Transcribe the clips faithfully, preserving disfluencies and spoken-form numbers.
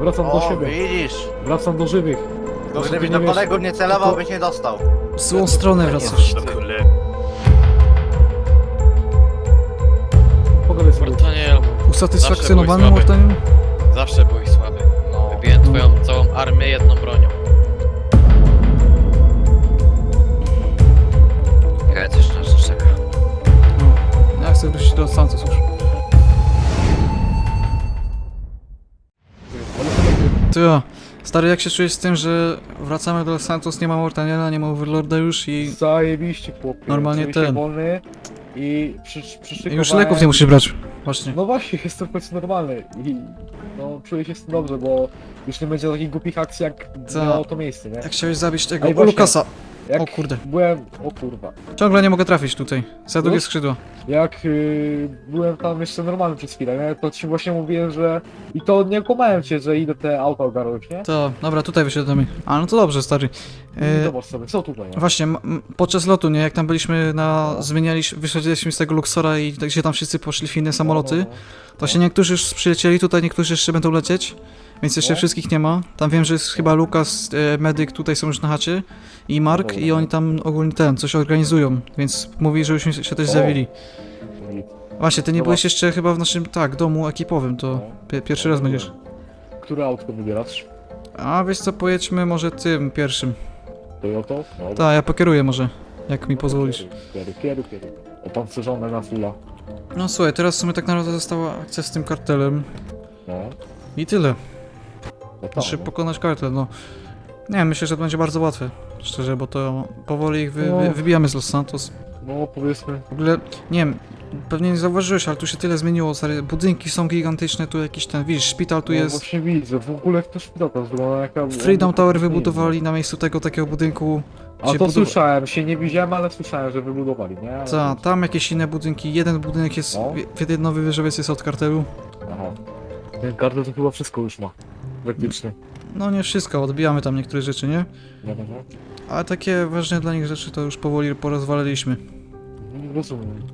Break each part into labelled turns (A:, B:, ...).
A: Wracam do
B: O,
A: siebie.
B: widzisz.
A: Wracam do żywych.
B: No,
A: Znaczy,
B: gdybyś
A: ty
B: do
A: nie wiesz-
B: kolegów nie celował,
A: tylko-
B: byś nie dostał.
C: W złą stronę wracasz.
A: Pogadaj sobie.
D: Mortaniel,
C: Usatysfakcjonowany
D: Zawsze byłeś
C: Mortaniel?
D: zawsze byłeś słaby.
B: No.
D: Wybiłem twoją całą armię jedną bronią. Ja też nas czeka.
C: No, ja chcę wrócić do Santos już. To ja. Stary, jak się czujesz z tym, że wracamy do Santos, nie ma Mortaniela, nie ma Overlorda już i
A: Zajebiście, chłopie.
C: Normalnie
A: Czuję się
C: ten.
A: wolny i przy,
C: i
A: przyszykowałem...
C: już leków nie musisz brać. Właśnie.
A: No właśnie, jestem w końcu normalny i no czuję się z tym dobrze, bo już nie będzie takich głupich akcji, jak
C: Co?
A: miało to miejsce, nie?
C: Jak chciałeś zabić tego
A: Ej, właśnie.
C: Lukasa.
A: Jak
C: O kurde.
A: byłem... O kurwa.
C: Ciągle nie mogę trafić tutaj. Za długie
A: Już?
C: skrzydła.
A: Jak yy, byłem tam jeszcze normalny przez chwilę, nie? To ci właśnie mówiłem, że... I to nie kłamałem cię, że idę te auto ogarnąć, nie?
C: To, dobra, tutaj wysiadamy. A no to dobrze, stary.
A: I
C: E,
A: zobacz sobie, co tutaj, nie?
C: Właśnie, m- m- podczas lotu, nie, jak tam byliśmy na... zmienialiśmy, wyszedliśmy z tego Luxora i tak, gdzie tam wszyscy poszli w inne samoloty,
A: No, no,
C: to się niektórzy już przylecieli, tutaj niektórzy jeszcze będą lecieć, więc jeszcze
A: No.
C: wszystkich nie ma. Tam wiem, że jest chyba Lukas, e, Medyk, tutaj są już na chacie i Mark
A: Dobra.
C: i oni tam ogólnie ten, coś organizują, więc mówi, żebyśmy się też
A: O.
C: zjawili.
A: no. I-
C: Właśnie, ty nie
A: Dobra.
C: byłeś jeszcze chyba w naszym, tak, domu ekipowym, to
A: no.
C: pi- pierwszy raz będziesz.
A: Które autko wybierasz?
C: A wiesz co, pojedźmy może tym pierwszym.
A: Toyota? No,
C: Tak, ja pokieruję może, jak mi pozwolisz.
A: Kieru, kieru, kieru. Opancerzone na fulla.
C: No słuchaj, teraz w sumie tak naprawdę została akcja z tym kartelem
A: No,
C: i tyle.
A: no tam,
C: Znaczy
A: no.
C: pokonać kartel, no. Nie, myślę, że to będzie bardzo łatwe, szczerze, bo to powoli ich wy,
A: No.
C: wy, wybijamy z Los Santos.
A: No, powiedzmy.
C: W ogóle, nie wiem, pewnie nie zauważyłeś, ale tu się tyle zmieniło, stary, budynki są gigantyczne, tu jakiś ten, widzisz, szpital tu
A: no,
C: jest.
A: właśnie widzę, w ogóle jak to szpital tam wygląda, jaka...
C: Freedom Tower wybudowali na miejscu tego takiego budynku.
A: A to
C: budowa-
A: słyszałem, się nie widziałem, ale słyszałem, że wybudowali, nie? Ale-
C: Ta, tam jakieś inne budynki, jeden budynek jest,
A: No.
C: w- jeden nowy wieżowiec jest od kartelu.
A: Aha. Ten kartel to chyba wszystko już ma. Praktycznie.
C: No nie wszystko, odbijamy tam niektóre rzeczy, nie?
A: No, no, no.
C: Ale takie ważne dla nich rzeczy to już powoli porozwaliliśmy.
A: No, rozumiem.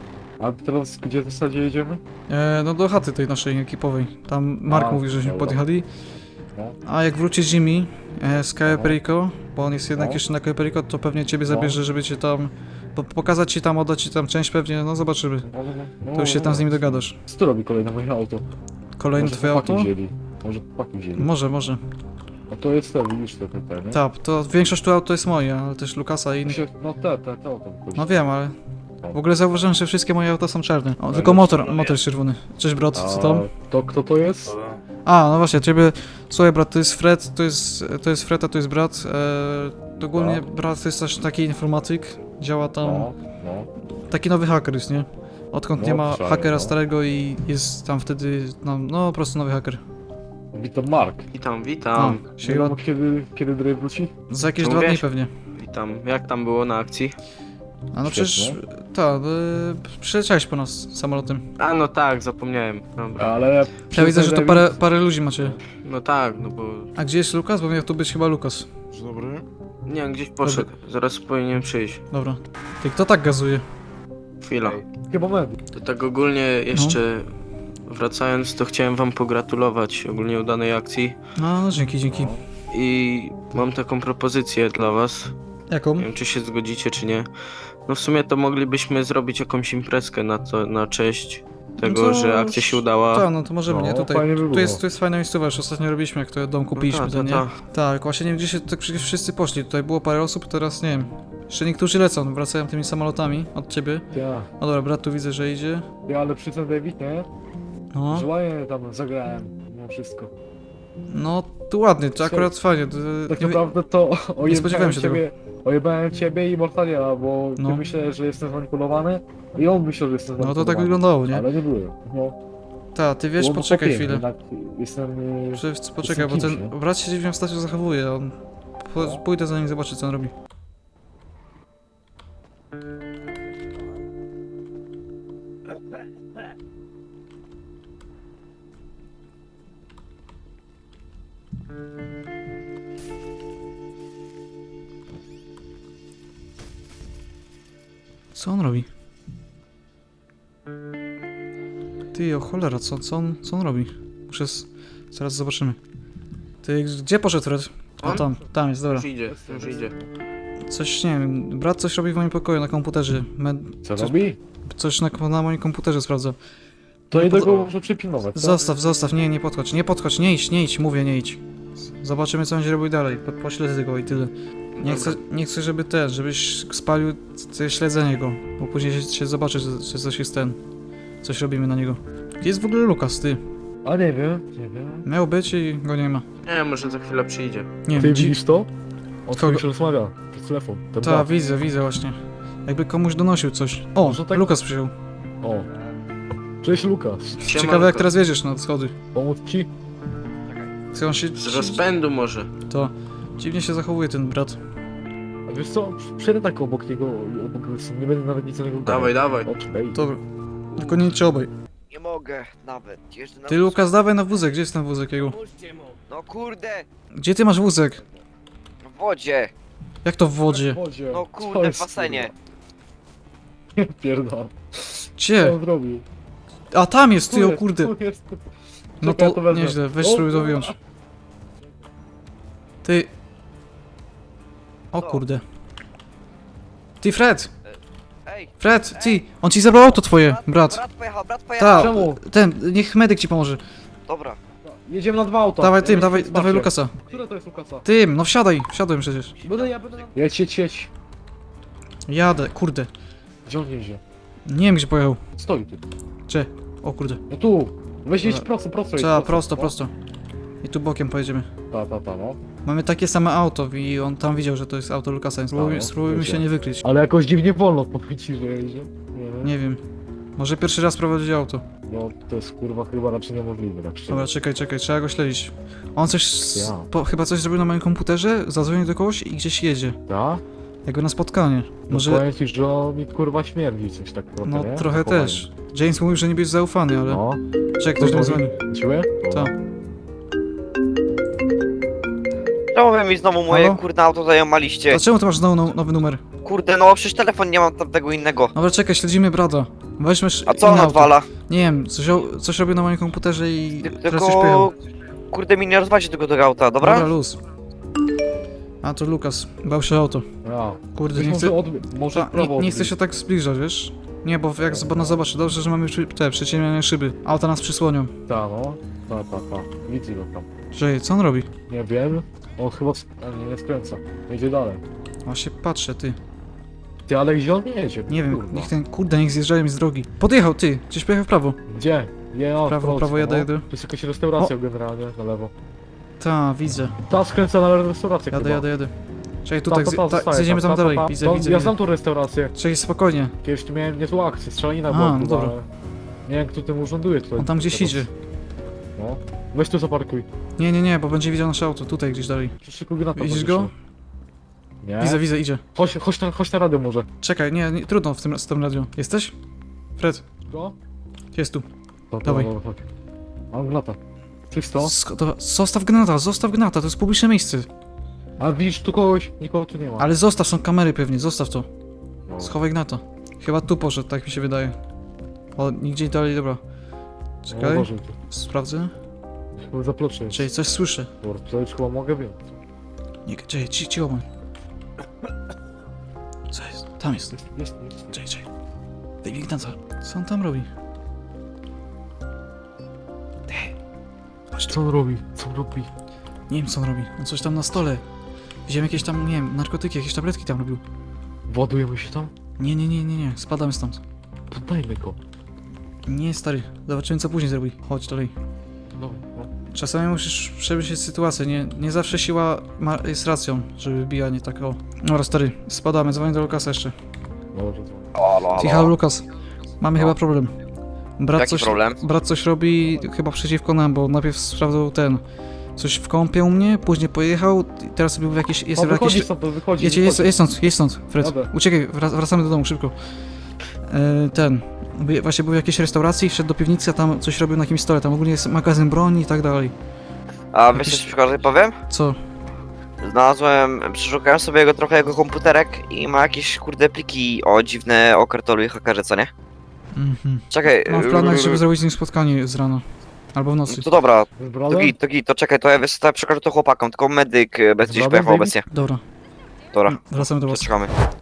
A: A teraz gdzie w zasadzie jedziemy?
C: E, no do chaty tej naszej ekipowej. Tam Mark
A: A,
C: mówi, żeśmy
A: dobra.
C: podjechali.
A: No.
C: A jak wróci Jimmy e, z Cayo Perico, bo on jest jednak
A: No.
C: jeszcze na Cayo Perico, to pewnie ciebie
A: No.
C: zabierze, żeby cię tam... Po, pokazać ci tam, oddać ci tam część pewnie, no zobaczymy.
A: No, no, no.
C: To już się tam z nimi dogadasz.
A: Co tu robi kolejne moje auto?
C: Kolejne
A: Może
C: twoje
A: chłopaki
C: auto?
A: Wzięli. Może chłopaki wzięli.
C: Może, może.
A: No to jest te, widzisz te, te, te, nie?
C: Tak, to większość tu aut to jest moje, ale też Lukasa i innych.
A: Się- No te, te, te auto.
C: No wiem, ale... W ogóle zauważyłem, że wszystkie moje auta są czarne. O,
A: Ale
C: tylko motor,
A: czerwone.
C: motor jest czerwony. Cześć brat, co tam?
A: A to kto to jest?
C: A, no właśnie, ciebie... Słuchaj brat, to jest Fred, to jest, to jest Fred, a to jest brat. E, ogólnie
A: No.
C: brat to jest też taki informatyk, działa tam...
A: No, no.
C: Taki nowy haker jest, nie? Odkąd
A: No,
C: nie ma
A: słyszałem,
C: hakera
A: no.
C: starego i jest tam wtedy, no, no po prostu nowy haker.
A: Witam Mark.
E: Witam,
C: No,
E: witam,
C: się
A: Wiadomo
C: chyba
A: kiedy, kiedy Drej wróci?
C: za jakieś
E: Co
C: dwa dni
E: mówiłeś?
C: pewnie.
E: witam. Jak tam było na akcji?
C: A no przecież,
A: Świetnie.
C: tak, y, przyleciałeś po nas samolotem.
E: A no tak, zapomniałem. Dobra.
A: Ale...
C: Ja widzę, że to parę, parę ludzi macie.
E: No tak, no bo...
C: A gdzie jest Lukas? Bo miał tu być chyba Lukas.
A: Dzień dobry.
E: Nie wiem, gdzieś poszedł. Zaraz powinien przyjść.
C: Dobra. Ty, kto tak gazuje?
E: Chwila.
A: Chyba Medy.
E: To tak ogólnie jeszcze... Wracając, to chciałem wam pogratulować ogólnie udanej akcji.
C: No, no dzięki, dzięki.
E: I mam taką propozycję dla was.
C: Jaką?
E: Nie wiem, czy się zgodzicie, czy nie. No w sumie to moglibyśmy zrobić jakąś imprezkę na to, na cześć tego,
C: No to-
E: że akcja się udała.
C: Tak, no to możemy,
A: No,
C: nie? Tutaj,
A: fajnie by
C: tu
A: było.
C: jest, tu jest fajna miejscowa, już ostatnio robiliśmy, jak to dom kupiliśmy,
E: no
C: to
E: ta,
C: nie?
E: ta,
C: Tak, właśnie nie wiem, gdzie się tak przecież wszyscy poszli. Tutaj było parę osób, teraz nie wiem. Jeszcze niektórzy lecą, wracają tymi samolotami od ciebie.
A: Ja.
C: No dobra, brat tu widzę, że idzie.
A: Ja, ale przy tym David, nie?
C: No,
A: Że ładnie tam zagrałem, no wszystko.
C: no tu ładnie, to akurat fajnie. To,
A: Tak
C: nie,
A: naprawdę to ojebałem
C: spodziewałem się
A: ciebie, ojebałem ciebie i Mortaliela, bo
C: No.
A: ty myślałeś, że jestem zmanipulowany i on myślał, że jestem
C: no to
A: zmanipulowany.
C: tak wyglądało, nie?
A: Ale nie byłem. No,
C: Ta, ty wiesz,
A: było
C: poczekaj
A: popięknie,
C: chwilę.
A: jednak Jestem... y,
C: Prze- Poczekaj, bo
A: kimś,
C: ten
A: nie?
C: brat się dziwnie w stacju zachowuje, on... Po, pójdę za nim zobaczyć, co on robi. Co on robi? Ty, o cholera, co, co, on, co on robi? Muszę... z- Zaraz zobaczymy. Ty, gdzie poszedł Fred? A
E: On?
C: tam, tam jest, dobra.
E: Już idzie, już idzie.
C: Coś, nie wiem, brat coś robi w moim pokoju na komputerze. Me-
A: Co
C: Coś-
A: robi?
C: Coś na, na moim komputerze sprawdza.
A: To
C: Nie
A: idę
C: pod-
A: go może przypilnować, co?
C: Zostaw, zostaw, nie, nie podchodź, nie podchodź, nie idź, nie idź, mówię, nie idź. Zobaczymy, co będzie robił dalej, po, pośledzę go i tyle. Nie chcę, nie chcę, żeby te, żebyś spalił te śledzenie go, bo później się, się zobaczy, że, że coś jest ten, coś robimy na niego. Gdzie jest w ogóle Lukas, ty?
A: A nie wiem, nie wiem.
C: Miał być i go nie ma.
E: Nie, może za chwilę przyjdzie.
C: Nie
A: Ty
C: wiem, dzi-
A: widzisz to? On
C: Kogo?
A: z się rozmawia przez telefon. Ten
C: Ta,
A: brat.
C: widzę, widzę właśnie. Jakby komuś donosił coś. O,
A: Może tak-
C: Lukas przyjął.
A: O. Cześć Lukas.
E: Siema,
C: Ciekawe jak
E: Lukas.
C: teraz wiedziesz na schody.
A: Pomóc ci?
C: Co on się...
E: Z rozpędu może.
C: To dziwnie się zachowuje ten brat.
A: A wiesz co? Przejdę tak obok niego, obok nie będę nawet nic o niego
E: Dawaj, dawaj.
A: Okej.
C: Dobra. Tylko nie idźcie obaj.
B: Nie mogę nawet. Jeszcze na
C: Ty Lukas, dawaj na wózek, gdzie jest ten wózek jego?
B: No kurde,
C: Gdzie ty masz wózek?
B: w wodzie.
C: Jak to w wodzie?
A: Wodzie.
B: No
A: Co
B: kurde, w
A: jest,
B: basenie.
A: kurwa? Pierdol. Co
C: Gdzie?
A: on zrobił?
C: A tam jest, ty
A: Tu
C: o
A: jest,
C: kurde.
A: tu jest.
C: No
A: Czekaj,
C: to
A: ja wezmę.
C: nieźle, weź
A: O,
C: spróbuj to
A: kurwa.
C: wyjąć. Ty... O
B: Co?
C: kurde. Ty Fred!
B: Ej,
C: Fred, ty! On ci zabrał auto twoje, brat.
B: Brat pojechał, brat pojechał.
C: Ta,
A: Czemu?
C: ten, niech medyk ci pomoże.
B: Dobra.
A: Jedziemy na dwa auta.
C: Dawaj
A: Ja
C: tym,
A: nie
C: dawaj,
A: chcę
C: dawaj
A: spać.
C: Lukasa.
A: Które to jest Lukasa?
C: Tym, no wsiadaj, wsiadłem przecież.
A: Będę, ja będę... Jedź, jedź, jedź.
C: Jadę, kurde.
A: Gdzie on jedzie?
C: Nie wiem gdzie pojechał.
A: Stoi tu.
C: Cze? O kurde.
A: No tu. Weź jedź
C: Dobra.
A: prosto, prosto. jedź,
C: Trzeba, prosto,
A: no.
C: prosto. I tu bokiem pojedziemy.
A: Ta, ta, ta, no.
C: Mamy takie same auto i on tam widział, że to jest auto Lukasa, więc spróbujmy,
A: no,
C: spróbujmy
A: wiecie.
C: się nie wykryć.
A: Ale jakoś dziwnie wolno powiem ci, że jedzie. Nie wiem.
C: Nie wiem. Może pierwszy raz prowadzić auto.
A: No to jest kurwa chyba raczej niemożliwe, tak szczerze.
C: Dobra, czekaj, czekaj, trzeba go śledzić. On coś, s-
A: Ja.
C: po, chyba coś zrobił na moim komputerze, zadzwonił do kogoś i gdzieś jedzie.
A: Ta?
C: Jakby na spotkanie.
A: No
C: Może,
A: powiem ci, że on mi kurwa śmierdzi coś tak trochę,
C: no
A: nie?
C: trochę
A: Zachowanie.
C: też. James mówił, że nie jest zaufany, ale...
A: No.
C: Czekaj, ktoś do mnie dzwoni.
A: Ciły?
C: Tak.
B: Czemu wy mi znowu moje
C: Halo?
B: kurde auto zajomaliście?
C: Dlaczego ty masz znowu now, nowy numer?
B: Kurde, no przecież telefon nie mam tamtego innego.
C: Dobra, czekaj, śledzimy brata. Weźmy
B: A co on
C: inne auto.
B: odwala?
C: Nie wiem, coś, o- coś robił na moim komputerze i
B: Ty-
C: teraz coś pojechał.
B: Tylko... Kurde, mi nie rozwalcie tego tego auta, dobra?
C: Dobra, luz. A to Lukas, bał się o auto.
A: Ja.
C: Kurde,
A: Weź
C: nie
A: może
C: chcę,
A: odbi- może
C: ta,
A: w prawo
C: nie, nie chcę
A: odbić.
C: się tak zbliżać, wiesz? Nie, bo jak zob- nas zobaczy, dobrze, że mamy przy- te przyciemniane szyby. Auta nas przysłonią.
A: Ta, no. Ta, ta, ta. Widzę go tam.
C: Że co on robi?
A: Nie wiem. On chyba... sk- a nie, nie skręca. Jedzie dalej.
C: Właśnie patrzę, ty.
A: Ty, ale gdzie on nie jedzie?
C: Nie wiem,
A: Kurwa.
C: niech ten, kurde, niech zjeżdżają mi z drogi. Podjechał, ty, gdzieś pojechał w prawo.
A: Gdzie? Nie, on
C: Prawo,
A: w Polsce,
C: prawo, jadę,
A: no.
C: jadę.
A: To jest jakaś restauracja generalnie, na lewo.
C: Ta, widzę.
A: Ta skręca na restaurację
C: Jadę,
A: chyba.
C: jadę, jadę. Czekaj,
A: Ta,
C: tutaj,
A: ta, ta,
C: zje- ta,
A: zostaje,
C: zjedziemy
A: ta,
C: tam
A: ta,
C: dalej.
A: ta.
C: Widzę,
A: To-
C: widzę,
A: Ja
C: widzę.
A: znam tą restaurację.
C: Czekaj, spokojnie.
A: Kiedyś tu miałem niezłą akcję, strzelanina
C: A,
A: była,
C: no
A: kurwa,
C: dobra.
A: ale... Nie wiem, kto tym urzęduje tutaj.
C: On tam gdzieś
A: teraz.
C: idzie.
A: No. Weź tu zaparkuj.
C: Nie, nie, nie, bo będzie widział nasze auto, tutaj gdzieś dalej.
A: Przyszykuj granata.
C: Widzisz
A: podniesie.
C: go?
A: Nie.
C: Widzę, widzę, idzie.
A: Chodź, chodź, na, chodź na radio może.
C: Czekaj, nie, nie trudno w tym, z tym radio. Jesteś? Fred,
A: Go?
C: jest tu.
A: To,
C: Dawaj.
A: Dobra, chodź. Mam granata. Czysto?
C: Sk- dobra, zostaw gnata, zostaw gnata, to jest publiczne miejsce.
A: A widzisz tu kogoś? Nikogo tu nie ma.
C: Ale zostaw, są kamery pewnie, zostaw to.
A: No.
C: Schowaj gnata. Chyba tu poszedł, tak mi się wydaje. O, nigdzie dalej, dobra.
A: No,
C: Czekaj,
A: uważaj tu.
C: sprawdzę.
A: Chyba zaploczę jest.
C: Czekaj, coś słyszę.
A: Dobra, to już chyba mogę wiem.
C: Nie, czekaj, ci, cicho bądź. Co jest? Tam jest.
A: Jest, jest, jest.
C: Czekaj, czekaj. Daj mi gnata. Co on tam robi?
A: Co on robi? Co on robi?
C: Nie wiem co on robi. On coś tam na stole. Widziałem jakieś tam, nie wiem, narkotyki, jakieś tabletki tam robił.
A: Ładujemy się tam?
C: Nie, nie, nie, nie, nie, spadamy stąd.
A: Poddajmy go.
C: Nie, stary, zobaczymy co później zrobi. Chodź dalej.
A: No, no.
C: Czasami musisz przemyśleć sytuację, nie, nie zawsze siła ma, jest racją, żeby bijanie tak o. Dobra, stary, spadamy, dzwonię do Lukasa jeszcze.
A: Dobrze, dzwonię.
B: Halo,
C: Ty,
B: halo.
C: halo, Lukas, mamy chyba problem. Brat
B: Jaki
C: coś,
B: problem?
C: brat coś robi chyba przeciwko nam, bo najpierw sprawdzał ten, coś w kąpie u mnie, później pojechał, i teraz był w jakieś, jest
A: No
C: w
A: wychodzi
C: jakieś...
A: stąd, to wychodzi.
C: Jedź, jest,
A: wychodzi.
C: jest stąd, jest stąd, Fred.
A: Jadę.
C: Uciekaj, wrac- wracamy do domu, szybko. E, ten, by- właśnie był w jakiejś restauracji, wszedł do piwnicy, a tam coś robił na jakimś stole, tam ogólnie jest magazyn broni i tak dalej.
B: A
C: Jakiś-
B: wiesz co przykład powiem?
C: Co?
B: Znalazłem, przeszukałem sobie jego trochę jego komputerek i ma jakieś kurde pliki o dziwne o kartolu i hakerze, co nie?
C: Mhm.
B: Czekaj.
C: Mam w planach, żeby zrobić z nim spotkanie z rana. Albo w nocy.
B: To dobra,
A: Z
B: to
A: brodą?
B: git, to git, to czekaj, to ja wiesz, to ja przekażę to chłopakom, tylko medyk e, bez gdzieś
A: Dobra,
B: pojechał
A: David?
B: obecnie.
C: Dobra,
B: Dobra,
C: wracamy do was.
B: przestrzegamy.